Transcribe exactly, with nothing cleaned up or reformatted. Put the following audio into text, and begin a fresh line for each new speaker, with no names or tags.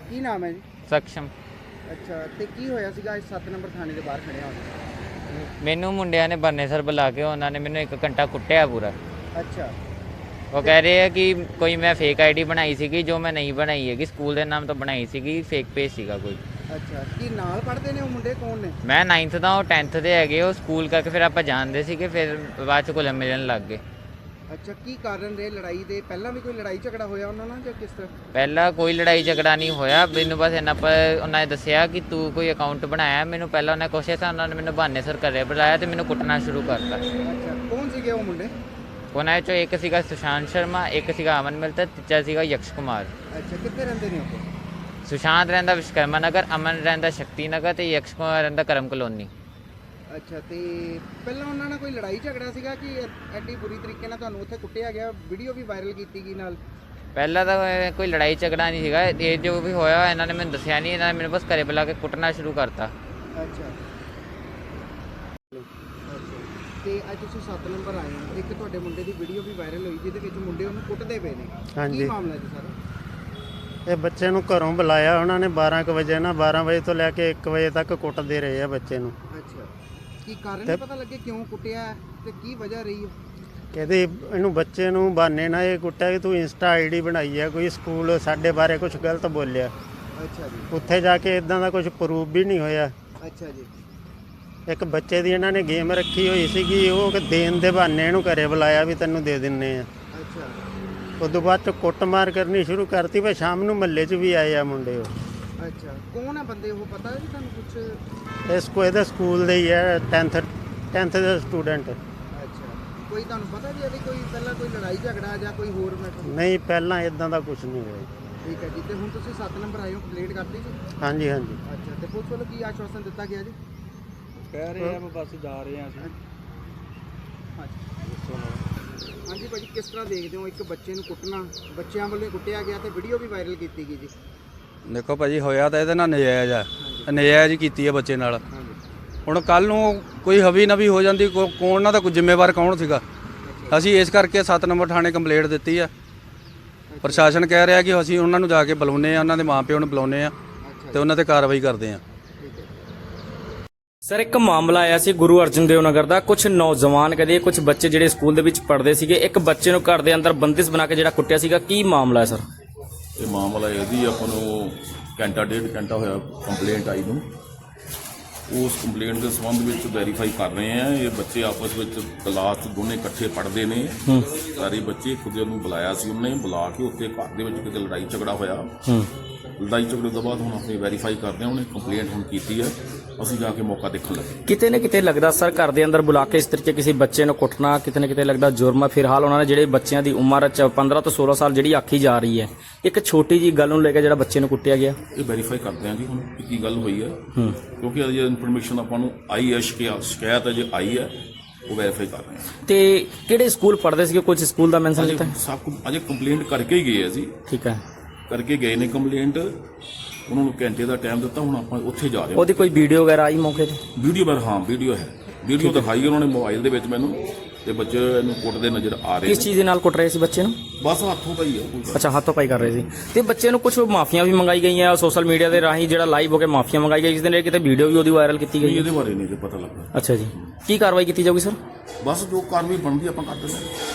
ਕੀ ਨਾਮ ਹੈ ਜੀ?
ਸਕਸ਼ਮ।
ਅੱਛਾ, ਤੇ ਕੀ ਹੋਇਆ ਸੀਗਾ ਅੱਜ ਸੱਤ ਨੰਬਰ ਥਾਣੇ ਦੇ ਬਾਹਰ ਖੜਿਆ ਹੋਇਆ?
ਮੈਨੂੰ ਮੁੰਡਿਆਂ ਨੇ ਬਰਨੇ ਸਰ ਬੁਲਾ ਕੇ ਉਹਨਾਂ ਨੇ ਮੈਨੂੰ ਇੱਕ ਘੰਟਾ ਕੁੱਟਿਆ ਪੂਰਾ।
ਅੱਛਾ।
ਉਹ ਕਹਿ ਰਹੇ ਆ ਕਿ ਕੋਈ ਮੈਂ ਫੇਕ ਆਈਡੀ ਬਣਾਈ ਸੀਗੀ, ਜੋ ਮੈਂ ਨਹੀਂ ਬਣਾਈ ਹੈਗੀ, ਸਕੂਲ ਦੇ ਨਾਮ ਤੋਂ ਬਣਾਈ ਸੀਗੀ, ਫੇਕ ਪੇਜ ਸੀਗਾ ਕੋਈ।
ਅੱਛਾ, ਕੀ ਨਾਲ ਪੜ੍ਹਦੇ ਨੇ ਉਹ ਮੁੰਡੇ, ਕੌਣ ਨੇ?
ਮੈਂ ਨਾਈਨਥ ਦਾ, ਉਹ ਟੈਂਥ ਦੇ ਹੈਗੇ। ਉਹ ਸਕੂਲ ਕਰਕੇ ਫਿਰ ਆਪਾਂ ਜਾਣਦੇ ਸੀਗੇ, ਫਿਰ ਬਾਅਦ 'ਚ ਘੁਲ ਮਿਲਣ ਲੱਗ ਗਏ।
ਅੱਛਾ, ਕੀ ਕਾਰਨ ਰਹੇ ਲੜਾਈ ਦੇ? ਪਹਿਲਾਂ ਵੀ ਕੋਈ ਲੜਾਈ ਝਗੜਾ ਹੋਇਆ ਉਹਨਾਂ ਨਾਲ ਜਾਂ ਕਿਸ ਤਰ੍ਹਾਂ?
ਪਹਿਲਾਂ ਕੋਈ ਲੜਾਈ ਝਗੜਾ ਨਹੀਂ ਹੋਇਆ ਮੈਨੂੰ, ਬਸ ਇੰਨਾ ਪਰ ਉਹਨਾਂ ਨੇ ਦੱਸਿਆ ਕਿ ਤੂੰ ਕੋਈ ਅਕਾਊਂਟ ਬਣਾਇਆ। ਮੈਨੂੰ ਪਹਿਲਾਂ ਉਹਨੇ ਕੋਸ਼ਿਸ਼ ਤਾਂ ਉਹਨਾਂ ਨੇ ਮੈਨੂੰ ਬਹਾਨੇ ਸਰ ਘਰੇ ਬੁਲਾਇਆ ਅਤੇ ਮੈਨੂੰ ਕੁੱਟਣਾ ਸ਼ੁਰੂ ਕਰਤਾ।
ਅੱਛਾ, ਕੌਣ ਸੀਗੇ ਉਹ ਮੁੰਡੇ?
ਉਹਨਾਂ 'ਚੋਂ ਇੱਕ ਸੀਗਾ ਸੁਸ਼ਾਂਤ ਸ਼ਰਮਾ, ਇੱਕ ਸੀਗਾ ਅਮਨ ਮਿਲਤਾ, ਤੀਜਾ ਸੀਗਾ ਯਕਸ਼ ਕੁਮਾਰ।
ਅੱਛਾ, ਕਿੱਥੇ ਰਹਿੰਦੇ ਨੇ ਉਹ?
ਸੁਸ਼ਾਂਤ ਰਹਿੰਦਾ ਵਿਸ਼ਕਰਮਾ ਨਗਰ, ਅਮਨ ਰਹਿੰਦਾ ਸ਼ਕਤੀ ਨਗਰ ਅਤੇ ਯਕਸ਼ ਕੁਮਾਰ ਰਹਿੰਦਾ ਕਰਮ ਕਲੋਨੀ।
ਅੱਛਾ, ਤੇ ਪਹਿਲਾਂ ਉਹਨਾਂ ਨਾਲ ਕੋਈ ਲੜਾਈ ਝਗੜਾ ਸੀਗਾ ਕਿ ਐਡੀ ਬੁਰੀ ਤਰੀਕੇ ਨਾਲ ਤੁਹਾਨੂੰ ਉੱਥੇ ਕੁੱਟਿਆ ਗਿਆ? ਵੀਡੀਓ ਵੀ ਵਾਇਰਲ ਕੀਤੀ ਗਈ ਨਾਲ।
ਪਹਿਲਾਂ ਤਾਂ ਕੋਈ ਲੜਾਈ ਝਗੜਾ ਨਹੀਂ ਸੀਗਾ, ਇਹ ਜੋ ਵੀ ਹੋਇਆ ਇਹਨਾਂ ਨੇ ਮੈਨੂੰ ਦੱਸਿਆ ਨਹੀਂ, ਇਹਨਾਂ ਨੇ ਮੈਨੂੰ ਬਸ ਘਰੇ ਬੁਲਾ ਕੇ ਕੁੱਟਣਾ ਸ਼ੁਰੂ ਕਰਤਾ।
ਅੱਛਾ, ਤੇ ਅੱਜ ਤੁਸੀਂ ਸੱਤ ਨੰਬਰ ਆਏ ਹੋ, ਇੱਕ ਤੁਹਾਡੇ ਮੁੰਡੇ ਦੀ ਵੀਡੀਓ ਵੀ ਵਾਇਰਲ ਹੋਈ ਜਿਹਦੇ ਵਿੱਚ ਮੁੰਡੇ ਉਹਨੂੰ ਕੁੱਟਦੇ ਪਏ ਨੇ।
ਹਾਂਜੀ।
ਕੀ ਮਾਮਲਾ ਜੀ ਸਾਰਾ?
ਇਹ ਬੱਚੇ ਨੂੰ ਘਰੋਂ ਬੁਲਾਇਆ ਉਹਨਾਂ ਨੇ ਬਾਰਾਂ ਕੁ ਵਜੇ ਨਾ, ਬਾਰਾਂ ਵਜੇ ਤੋਂ ਲੈ ਕੇ ਇੱਕ ਵਜੇ ਤੱਕ ਕੁੱਟਦੇ ਰਹੇ ਆ ਬੱਚੇ ਨੂੰ।
ਅੱਛਾ, ਕੀ ਕਾਰਨ ਨਹੀਂ ਪਤਾ ਲੱਗੇ ਕਿਉਂ ਕੁੱਟਿਆ ਤੇ ਕੀ ਵਜ੍ਹਾ ਰਹੀ ਹੈ?
ਕਹਿੰਦੇ ਇਹਨੂੰ ਬੱਚੇ ਨੂੰ ਬਹਾਨੇ ਨਾਲ ਇਹ ਕੁੱਟਿਆ ਕਿ ਤੂੰ ਇੰਸਟਾ ਆਈਡੀ ਬਣਾਈ ਹੈ, ਕੋਈ ਸਕੂਲ ਸਾਡੇ ਬਾਰੇ ਕੁਝ ਗਲਤ ਬੋਲਿਆ।
ਅੱਛਾ ਜੀ।
ਉੱਥੇ ਜਾ ਕੇ ਇਦਾਂ ਦਾ ਕੁਝ ਪ੍ਰੂਫ ਵੀ ਨਹੀਂ ਹੋਇਆ।
ਅੱਛਾ ਜੀ।
ਇੱਕ ਬੱਚੇ ਦੀ ਇਹਨਾਂ ਨੇ ਗੇਮ ਰੱਖੀ ਹੋਈ ਸੀਗੀ, ਉਹ ਕਿ ਦੇਣ ਦੇ ਬਹਾਨੇ ਇਹਨੂੰ ਘਰੇ ਬੁਲਾਇਆ ਵੀ ਤੈਨੂੰ ਦੇ ਦਿੰਨੇ ਆ।
ਅੱਛਾ।
ਉਸ ਤੋਂ ਬਾਅਦ ਚ ਕੁੱਟਮਾਰ ਕਰਨੀ ਸ਼ੁਰੂ ਕਰਤੀ, ਪਰ ਸ਼ਾਮ ਨੂੰ ਮਹੱਲੇ 'ਚ ਵੀ ਆਏ ਆ ਮੁੰਡੇ ਉਹ।
ਅੱਛਾ, ਕੌਣ ਆ ਬੰਦੇ ਉਹ, ਪਤਾ ਹੈ ਜੀ ਤੁਹਾਨੂੰ ਕੁਝ?
ਇਸ ਕੋ ਇਹਦੇ ਸਕੂਲ ਦੇ ਹੀ ਹੈ, ਟੈਂਥ ਟੈਂਥ ਦੇ ਸਟੂਡੈਂਟ।
ਅੱਛਾ, ਕੋਈ ਤੁਹਾਨੂੰ ਪਤਾ ਜੀ ਇਹਦੀ ਕੋਈ ਪਹਿਲਾਂ ਕੋਈ ਲੜਾਈ ਝਗੜਾ ਜਾਂ ਕੋਈ ਹੋਰ ਮੈਟਰ?
ਨਹੀਂ, ਪਹਿਲਾਂ ਇਦਾਂ ਦਾ ਕੁਝ ਨਹੀਂ ਹੋਇਆ।
ਠੀਕ ਹੈ ਜੀ, ਤੇ ਹੁਣ ਤੁਸੀਂ ਸੱਤ ਨੰਬਰ ਆਏ ਹੋ, ਕੰਪਲੀਟ ਕਰਤੀ ਜੀ?
ਹਾਂਜੀ ਹਾਂਜੀ।
ਅੱਛਾ, ਤੇ ਪੁਲਿਸ ਵੱਲੋਂ ਕੀ ਆਸ਼ਵਾਸਨ ਦਿੱਤਾ ਗਿਆ ਜੀ?
ਕਹਿ ਰਹੇ ਆ ਬਸ ਜਾ ਰਹੇ ਆ ਅਸੀਂ।
ਹਾਂਜੀ ਭਾਜੀ, ਕਿਸ ਤਰ੍ਹਾਂ ਦੇਖਦੇ ਹੋ ਇੱਕ ਬੱਚੇ ਨੂੰ ਕੁੱਟਣਾ, ਬੱਚਿਆਂ ਵੱਲੋਂ ਕੁੱਟਿਆ ਗਿਆ ਤੇ ਵੀਡੀਓ ਵੀ ਵਾਇਰਲ ਕੀਤੀ ਗਈ ਜੀ?
ਦੇਖੋ ਭਾਜੀ, ਹੋਇਆ ਤਾਂ ਇਹਦੇ ਨਾਲ ਨਜਾਇਜ਼ ਆ, ਨਜਾਇਜ਼ ਹੀ ਕੀਤੀ ਹੈ ਬੱਚੇ ਨਾਲ। ਹੁਣ ਕੱਲ ਨੂੰ ਕੋਈ ਹਵੀ ਨਵੀ ਹੋ ਜਾਂਦੀ, ਕੌਣ ਨਾ ਤਾਂ ਕੋਈ ਜ਼ਿੰਮੇਵਾਰ ਕੌਣ ਸੀਗਾ? ਅਸੀਂ ਇਸ ਕਰਕੇ ਸੱਤ ਨੰਬਰ ਥਾਣੇ ਕੰਪਲੇਂਟ ਦਿੱਤੀ ਆ। ਪ੍ਰਸ਼ਾਸਨ ਕਹਿ ਰਿਹਾ ਕਿ ਅਸੀਂ ਉਹਨਾਂ ਨੂੰ ਜਾ ਕੇ ਬੁਲਾਉਂਦੇ ਆ, ਉਹਨਾਂ ਦੇ ਮਾਪਿਆਂ ਨੂੰ ਬੁਲਾਉਂਦੇ ਆ ਤੇ ਉਹਨਾਂ ਤੇ ਕਾਰਵਾਈ ਕਰਦੇ ਆ।
ਸਰ, ਇੱਕ ਮਾਮਲਾ ਆਇਆ ਸੀ ਗੁਰੂ ਅਰਜਨ ਦੇਵ ਨਗਰ ਦਾ। ਕੁਝ ਨੌਜਵਾਨ ਕਹਦੇ ਕੁਝ ਬੱਚੇ ਜਿਹੜੇ ਸਕੂਲ ਦੇ ਵਿੱਚ ਪੜ੍ਹਦੇ ਸੀਗੇ, ਇੱਕ ਬੱਚੇ ਨੂੰ ਘਰ ਦੇ ਅੰਦਰ ਬੰਦਿਸ਼ ਬਣਾ ਕੇ ਜਿਹੜਾ ਕੁੱਟਿਆ ਸੀਗਾ, ਕੀ ਮਾਮਲਾ ਹੈ ਸਰ?
ਇਹ ਮਾਮਲਾ ਇਹਦੀ ਆਪਾਂ ਨੂੰ ਘੰਟਾ ਡੇਢ ਘੰਟਾ ਹੋਇਆ ਕੰਪਲੇਂਟ ਆਈ ਨੂੰ। ਉਸ ਕੰਪਲੇਂਟ ਦੇ ਸੰਬੰਧ ਵਿੱਚ ਵੈਰੀਫਾਈ ਕਰ ਰਹੇ ਆ। ਇਹ ਬੱਚੇ ਆਪਸ ਵਿੱਚ ਕਲਾਸ ਦੋਨੇ ਇਕੱਠੇ ਪੜ੍ਹਦੇ ਨੇ, ਸਾਰੇ ਬੱਚੇ। ਇੱਕ ਦੂਜੇ ਨੂੰ ਬੁਲਾਇਆ ਸੀ ਉਹਨੇ, ਬੁਲਾ ਕੇ ਉੱਥੇ ਘਰ ਦੇ ਵਿੱਚ ਕਿਤੇ ਲੜਾਈ ਝਗੜਾ ਹੋਇਆ। ਲੜਾਈ ਝਗੜੇ ਤੋਂ ਬਾਅਦ ਹੁਣ ਅਸੀਂ ਵੈਰੀਫਾਈ ਕਰਦੇ ਹਾਂ। ਉਹਨੇ ਕੰਪਲੇਂਟ ਹੁਣ ਕੀਤੀ ਹੈ, ਅਸੀਂ ਜਾ ਕੇ ਮੌਕਾ ਦੇਖਣ ਲੱਗੇ।
ਕਿਤੇ ਨਾ ਕਿਤੇ ਲੱਗਦਾ ਸਰ, ਘਰ ਦੇ ਅੰਦਰ ਬੁਲਾ ਕੇ ਇਸ ਤਰੀਕੇ ਕਿਸੇ ਬੱਚੇ ਨੂੰ ਕੁੱਟਣਾ ਕਿਤੇ ਨਾ ਕਿਤੇ ਲੱਗਦਾ ਜੁਰਮ ਹੈ। ਫਿਲਹਾਲ ਉਹਨਾਂ ਨੇ ਜਿਹੜੇ ਬੱਚਿਆਂ ਦੀ ਉਮਰ ਪੰਦਰਾਂ ਤੋਂ ਸੋਲਾਂ ਸਾਲ ਜਿਹੜੀ ਆਖੀ ਜਾ ਰਹੀ ਹੈ, ਇੱਕ ਛੋਟੀ ਜੀ ਗੱਲ ਨੂੰ ਲੈ ਕੇ ਜਿਹੜਾ ਬੱਚੇ ਨੂੰ ਕੁੱਟਿਆ ਗਿਆ,
ਇਹ ਵੈਰੀਫਾਈ ਕਰਦੇ ਹਾਂ ਜੀ ਹੁਣ ਕੀ ਗੱਲ ਹੋਈ ਹੈ, ਕਿਉਂਕਿ ਅਜੇ ਇਨਫੋਰਮੇਸ਼ਨ ਆਪਾਂ ਨੂੰ ਆਈ ਹੈ, ਸ਼ਿਕਾਇਤ ਅਜੇ ਆਈ ਹੈ, ਉਹ ਵੈਰੀਫਾਈ ਕਰ ਰਹੇ ਹਾਂ।
ਤੇ ਕਿਹੜੇ ਸਕੂਲ ਪੜ੍ਹਦੇ ਸੀਗੇ? ਕੁਝ ਸਕੂਲ ਦਾ ਮੈਂਸ਼ਨ ਕੀਤਾ?
ਸਭ ਕੁਝ ਅਜੇ ਕੰਪਲੇਂਟ ਕਰਕੇ ਹੀ ਗਏ ਆ ਜੀ।
ਠੀਕ ਹੈ,
ਕਰਕੇ ਗਏ ਨੇ ਕੰਪਲੇਂਟ। ਉਹਨਾਂ ਨੂੰ ਘੰਟੇ ਦਾ ਟਾਈਮ ਦਿੱਤਾ, ਹੁਣ ਆਪਾਂ ਉੱਥੇ ਜਾ ਰਹੇ ਹਾਂ।
ਉਹਦੀ ਕੋਈ ਵੀਡੀਓ ਵਗੈਰਾ ਆਈ ਮੌਕੇ ਤੇ?
ਵੀਡੀਓ ਪਰ ਹਾਂ ਵੀਡੀਓ ਹੈ, ਵੀਡੀਓ ਦਿਖਾਈ ਉਹਨਾਂ ਨੇ ਮੋਬਾਈਲ ਦੇ ਵਿੱਚ ਮੈਨੂੰ, ਤੇ ਬੱਚੇ ਇਹਨੂੰ ਕੁੱਟਦੇ ਨਜ਼ਰ ਆ ਰਹੇ।
ਕਿਸ ਚੀਜ਼ ਦੇ ਨਾਲ ਕੁੱਟ ਰਹੇ ਸੀ ਬੱਚੇ ਨੂੰ?
ਬਸ ਹੱਥੋਂ ਪਾਈ ਹੈ।
ਅੱਛਾ, ਹੱਥੋਂ ਪਾਈ ਕਰ ਰਹੇ ਸੀ। ਤੇ ਬੱਚੇ ਨੂੰ ਕੁਝ ਮਾਫੀਆਂ ਵੀ ਮੰਗਾਈ ਗਈਆਂ ਸੋਸ਼ਲ ਮੀਡੀਆ ਦੇ ਰਾਹੀਂ, ਜਿਹੜਾ ਲਾਈਵ ਹੋ ਕੇ ਮਾਫੀਆਂ ਮੰਗਾਈ ਗਈ, ਜਿਸ ਦੇ ਨਾਲ ਕਿਤੇ ਵੀਡੀਓ ਵੀ ਉਹਦੀ ਵਾਇਰਲ ਕੀਤੀ ਗਈ।
ਇਹਦੇ ਬਾਰੇ ਨਹੀਂ ਜੇ ਪਤਾ ਲੱਗਾ।
ਅੱਛਾ ਜੀ, ਕੀ ਕਾਰਵਾਈ ਕੀਤੀ ਜਾਊਗੀ ਸਰ?
ਬਸ ਜੋ ਕਾਰਵਾਈ ਬਣਦੀ ਆਪਾਂ ਕਰ ਦਿੰਦੇ।